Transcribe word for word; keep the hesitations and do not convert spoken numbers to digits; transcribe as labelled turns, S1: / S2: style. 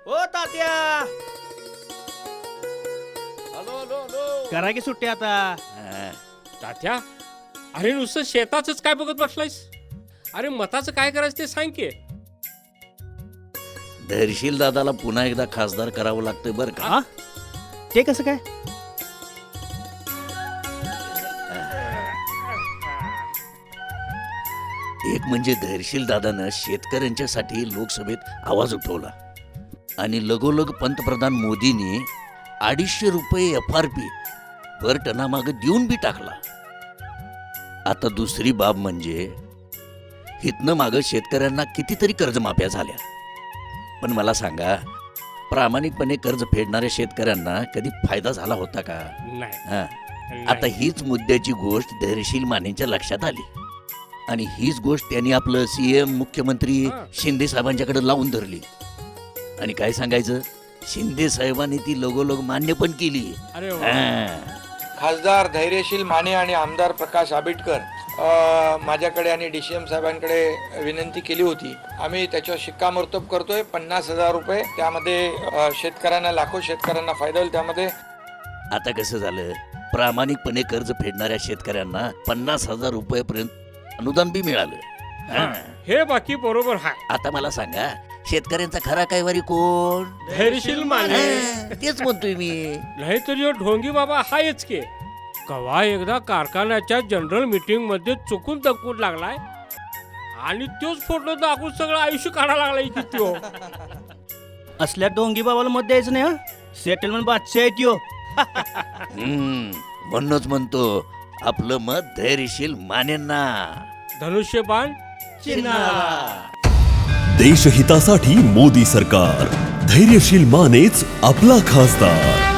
S1: ओ Tatya,
S2: hello hello hello
S1: करा की सुट्टी आता.
S2: तात्या, अरे नुसतं शेताचंच काय बघत बसलायस? अरे मताचं काय करायचं ते सांग की.
S3: धैर्यशील दादाला पुन्हा एकदा खासदार करावं लागतंय बरं का.
S1: हा? ते कसं काय?
S3: एक म्हणजे धैर्यशील दादानं शेतकऱ्यांच्यासाठी लोकसभेत आवाज उठवला आणि लगोलग पंतप्रधान मोदींनी अडीचशे रुपये एफ आर पी पर टनामागं देऊन बी टाकला. आता दुसरी बाब म्हणजे हितनं मागं शेतकऱ्यांना कितीतरी कर्जमाफ्या झाल्या. पण मला सांगा, प्रामाणिकपणे कर्ज फेडणाऱ्या शेतकऱ्यांना कधी फायदा झाला होता का?
S2: नाही
S3: हा. आता हीच मुद्द्याची गोष्ट धैर्यशील मानेंच्या लक्षात आली आणि हीच गोष्ट त्यांनी आपलं सीएम मुख्यमंत्री
S2: हा.
S3: शिंदे साहेबांच्याकडे लावून धरली. आणि काय सांगायचं, शिंदे साहेबांनी ती लगोलग मान्य पण केली.
S2: अरे वा.
S3: हा.
S4: खासदार धैर्यशील माने आणि आमदार प्रकाश आंबेडकर अ, माझ्याकडे आणि डी सी एम साहेबांकडे विनंती केली होती. आम्ही त्याच्यावर शिक्कामोर्तब करतोय. पन्नास हजार रुपये त्यामध्ये अ, शेतकऱ्यांना, लाखो शेतकऱ्यांना फायदा होईल. त्यामध्ये
S3: आता कसं झालं, प्रामाणिकपणे कर्ज फेडणाऱ्या शेतकऱ्यांना पन्नास हजार रुपयेपर्यंत अनुदान बी मिळालं. हा.
S2: हे बाकी बरोबर आहे.
S3: आता मला सांगा, शेतकऱ्यांचा खरा कैवारी कोण?
S2: धैर्यशील माने.
S3: हा, तेच म्हणतोय मी.
S2: नाही तर ह्यो ढोंगी बाबा हायच की. कवा एकदा कारखान्याच्या जनरल मीटिंग मध्ये चुकून दगून लागलाय आणि तोच फोटो दाखवून सगळं आयुष्य काढायला लागलाय की त्यो.
S1: असल्या डोंगी बाबाला मत द्यायचं नाही. हा, सेटलमेंट बादशाह आहे त्यो.
S3: हम्म, म्हणूनच म्हणतो आपलं मत धैर्यशील मानेंना.
S2: धनुष्यबाण
S5: देशहितासाठी मोदी सरकार. धैर्यशील मानेच आपला खासदार.